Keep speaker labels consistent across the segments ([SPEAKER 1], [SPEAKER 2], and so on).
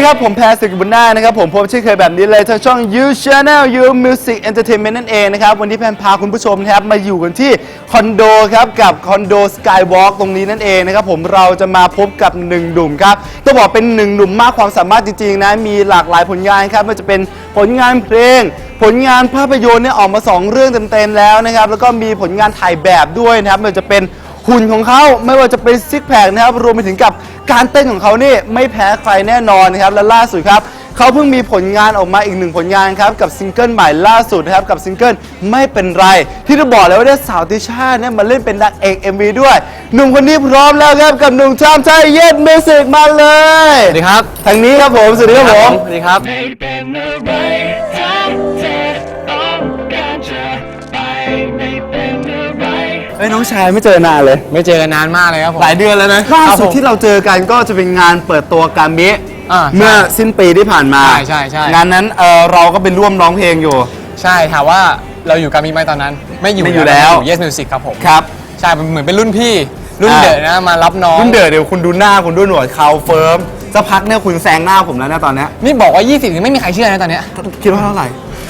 [SPEAKER 1] ครับผมแพรศึกบุญนานะครับผมพบเช่นเคยแบบนี้เลยทางช่อง You Channel You Music Entertainment นั่นเองนะครับวันนี้แพนพาคุณผู้ชมนะครับมาอยู่กันที่คอนโดครับกับคอนโด Skywalk ตรงนี้นั่นเองนะครับผมเราจะมาพบกับหนึ่งหนุ่มครับต้องบอกเป็นหนึ่งหนุ่มมากความสามารถจริงๆนะมีหลากหลายผลงานครับไม่ว่าจะเป็นผลงานเพลงผลงานภาพยนตร์เนี่ยออกมา2เรื่องเต็มๆแล้วนะครับแล้วก็มีผลงานถ่ายแบบด้วยนะครับไม่ว่าจะเป็นหุ่นของเขาไม่ว่าจะเป็นซิกแพคนะครับรวมไปถึงกับการเต้นของเขานี่ไม่แพ้ใครแน่นอนนะครับและล่าสุดครับเขาเพิ่งมีผลงานออกมาอีกหนึ่งผลงานครับกับซิงเกิลใหม่ล่าสุดนะครับกับซิงเกิลไม่เป็นไรที่จะบอกเลยว่าได้สาวติช่าเนี่ยมาเล่นเป็นนางเอก MV ด้วยหนุ่มคนนี้พร้อมแล้วครับกับหนุ่มชามชัยเย็ดมิวสิกมาเลย
[SPEAKER 2] สวัสดีครับ
[SPEAKER 1] ทางนี้ครับผมสวัสดีครับผม
[SPEAKER 2] สวัสดีครับ
[SPEAKER 3] ไม่เป็นอะไรถ้าเธอต้องการจะไปไม่เป็นอะไร
[SPEAKER 1] เอ้ยน้องชายไม่เจอนานเลย
[SPEAKER 2] ไม่เจอกันนานมากเลยครับผม
[SPEAKER 1] หลายเดือนแล้วนะล่าสุดที่เราเจอกันก็จะเป็นงานเปิดตัวกามิเมื่อสิ้นปีที่ผ่านมา
[SPEAKER 2] ใช่
[SPEAKER 1] งานนั้นเราก็เป็นร่วมร้องเพลงอยู่
[SPEAKER 2] ใช่ถามว่าเราอยู่กับมีไหมตอนนั้นไม่อยู่
[SPEAKER 1] แล้ว
[SPEAKER 2] อยู่ Yes Music ครับผม
[SPEAKER 1] ครับ
[SPEAKER 2] ใช่เหมือนเป็นรุ่นพี่รุ่นเดอะนะมารับน้อง
[SPEAKER 1] รุ่นเดอะเดี๋ยวคุณดูหน้าคุณดูหนวดเขาเฟิร์มจะพักเนี่ยคุณแซงหน้าผมแล้วนะตอนนี้
[SPEAKER 2] นี่บอกว่า20ยังไม่มีใครเชื่อนะตอนเนี้ย
[SPEAKER 1] คิดว่าเท่าไหร่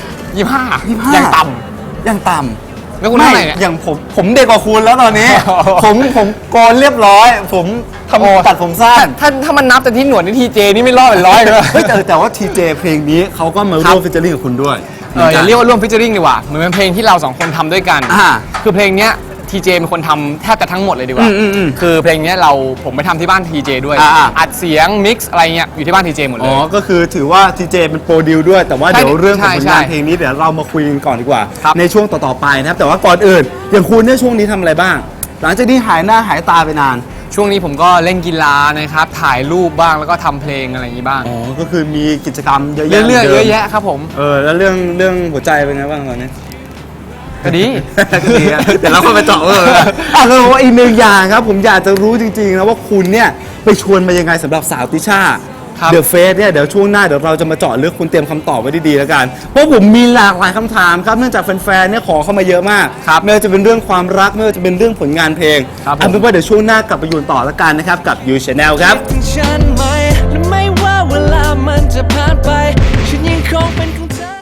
[SPEAKER 2] 25ยังต่
[SPEAKER 1] ำ
[SPEAKER 2] แล้วคุณเท่าไหร่เนี่ย
[SPEAKER 1] อย่างผมเด็กกว่าคุณแล้วตอนนี้ ผมโกนเรียบร้อยผมตัดผมสั้น
[SPEAKER 2] ถ้ามันนับแต่ที่หนวดนี่ทีเจนี่ไม่รอดเป็นร้อยเลย
[SPEAKER 1] แต่ว่าทีเจเพลงนี้เขาก็มาร่วมฟิชเจอริ่งกับคุณด้วย
[SPEAKER 2] อย่าเรียกว่าร่วมฟิชเจอริ่งดีกว่าเหมือนเป็นเพลงที่เรา2คนทำด้วยกันคือเพลงเนี้ยทีเจเป็นคนทำแทบจะทั้งหมดเลยดีกว่าคือเพลงนี้ผมไปทำที่บ้านทีเจด้วยอัดเสียงมิกซ์อะไรเงี้ยอยู่ที่บ้านทีเจหมดเลย
[SPEAKER 1] อ๋อก็คือถือว่าทีเจเป็นโปรดิวด้วยแต่ว่าเดี๋ยวเรื่องของผลงานเพลงนี้เดี๋ยวเรามาคุยกันก่อนดีกว่าในช่วงต่อๆไปนะครับแต่ว่าก่อนอื่นอย่างคุณเนี่ยช่วงนี้ทำอะไรบ้างหลังจากที่หายหน้าหายตาไปนาน
[SPEAKER 2] ช่วงนี้ผมก็เล่นกีฬานะครับถ่ายรูปบ้างแล้วก็ทำเพลงอะไรอย่างนี้บ้าง
[SPEAKER 1] อ๋อก็คือมีกิจกรรมเยอะ
[SPEAKER 2] แยะเยอะแยะครับผม
[SPEAKER 1] แล้วเรื่องหัวใจเป็นไงบ้างตอนนี้
[SPEAKER 2] ก็ดี
[SPEAKER 1] เดี๋ยวเราเข้าไปเจาะแล้วว่าอีกหนึ่งอย่างครับผมอยากจะรู้จริงๆนะว่าคุณเนี่ยไปชวนมายังไงสำหรับสาวติช่าเดอะเฟสเนี่ยเดี๋ยวช่วงหน้าเดี๋ยวเราจะมาเจาะลึกคุณเตรียมคำตอบไว้ดีๆแล้วกันเพราะผมมีหลากหลายคำถามครับเนื่องจากแฟนๆเนี่ยขอเข้ามาเยอะมากไม่ว่าจะเป็นเรื่องความรักไม่ว่าจะเป็นเรื่องผลงานเพลงเอาเป็นว่าเดี๋ยวช่วงหน้ากลับไปอยู่ต่อแล้วกันนะครับกับ You Channel ครับ
[SPEAKER 3] ฉันไหมและไม่ว่าเวลามันจะผ่านไปฉันยังคงเป็น